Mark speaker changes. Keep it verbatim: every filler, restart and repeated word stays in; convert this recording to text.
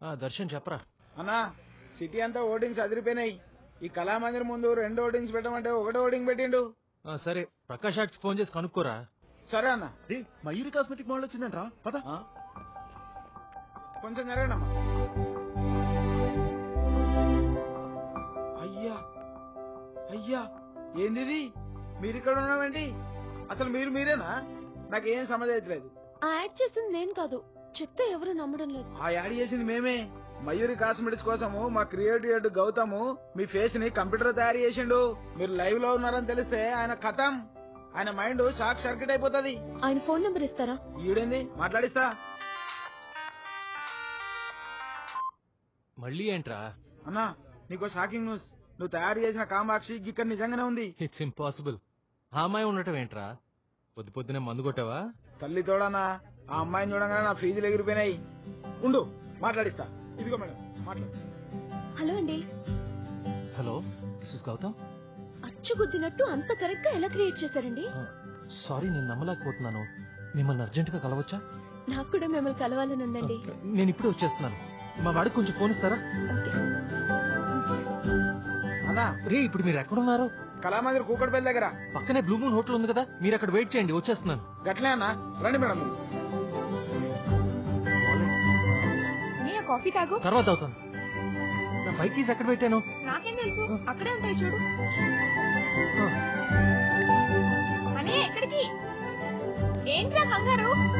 Speaker 1: దర్శన్ చెప్పరా
Speaker 2: అన్నా సిటీ అంతా ఓటింగ్స్ అదిరిపోయినాయి. ఈ కళామందిర్ ముందు రెండు ఓటింగ్స్ పెట్టమంటే ఒకటే ఓటింగ్ పెట్టిండు.
Speaker 1: సరే ప్రకాష్ ఆర్ట్స్ ఫోన్ చేసి కనుక్కోరా.
Speaker 2: సరే అన్న.
Speaker 3: మయూరి కాస్మెటిక్ మోడల్ వచ్చిందంట్రా పద.
Speaker 2: కొంచెం జరగనమ్మా. అయ్యా అయ్యా ఏంది మీరు ఇక్కడ ఉన్నామండి? అసలు మీరు మీరేనా? నాకేం సమజ్ అవుతలేదు.
Speaker 4: ఆ యాడ్ చేసింది నేను కాదు, చెప్తే ఎవరు నమ్మడం లేదు.
Speaker 2: ఆ యాడ్ చేసింది మేమే. మయూరి కాస్మెటిక్స్ కోసము మా క్రియేటివ్ హెడ్ గౌతమ్ మీ ఫేస్ ని కంప్యూటర్ తయారు చేసిండు. మీరు లైవ్ లో ఉన్నారని తెలిస్తే ఆయన కథం, ఆయన మైండ్ షాక్ సర్క్యూట్ అయిపోతుంది.
Speaker 4: ఆయన ఫోన్ నెంబర్ ఇస్తారా?
Speaker 2: ఈడేంది మాట్లాడిస్తా.
Speaker 1: మళ్ళీ ఏంట్రా?
Speaker 2: అన్నా నీకో షాకింగ్ న్యూస్. నువ్వు తయారు చేసిన కామాక్షి ఇక్కడ నిజంగానే ఉంది.
Speaker 1: It's impossible. ఆ అమ్మాయి ఉండటం ఏంట్రా? పొద్దు పొద్దునే మందు కొట్టావా?
Speaker 2: తల్లి తోడనా, ఆ అమ్మాయిని చూడగానే నా ఫీజులు ఎగిరిపోయినాయి. ఉండు మాట్లాడిస్తా. ఇదిగో మేడం మాట్లాడు.
Speaker 4: హలో అండి.
Speaker 1: Hello this is Gautam.
Speaker 4: అచ్చు గుద్దినట్టు అంత కరెక్ట్ గా ఎలా క్రియేట్ చేశారండి?
Speaker 1: సారీ నేను నమ్మలేకపోతున్నాను. మిమ్మల్ని అర్జెంట్ గా కలవచ్చా?
Speaker 4: నాకు కూడా మిమ్మల్ని కలవాలని ఉందండి.
Speaker 1: నేను ఇప్పుడే వచ్చేస్తున్నాను. మా వాడికి కొంచెం ఫోన్ ఇస్తారా?
Speaker 2: అన్నా
Speaker 1: రే ఇప్పుడు మీరు ఎక్కడున్నారు?
Speaker 2: కళామందిర్ కూకట్పల్లి దగ్గర
Speaker 1: పక్కనే బ్లూ మూన్ హోటల్ ఉంది కదా, మీరు అక్కడ వెయిట్ చేయండి, వచ్చేస్తున్నాను.
Speaker 2: గట్లే అన్నా, రండి మేడం.
Speaker 4: కాఫీ తాగు.
Speaker 1: తర్వాత అవుతాను. నా బైక్ కీస్ ఎక్కడ పెట్టాను?
Speaker 4: నాకేం తెలుసు, అక్కడే ఉంటాయి చూడు. ఎక్కడికి ఏంట్రా కంగారు?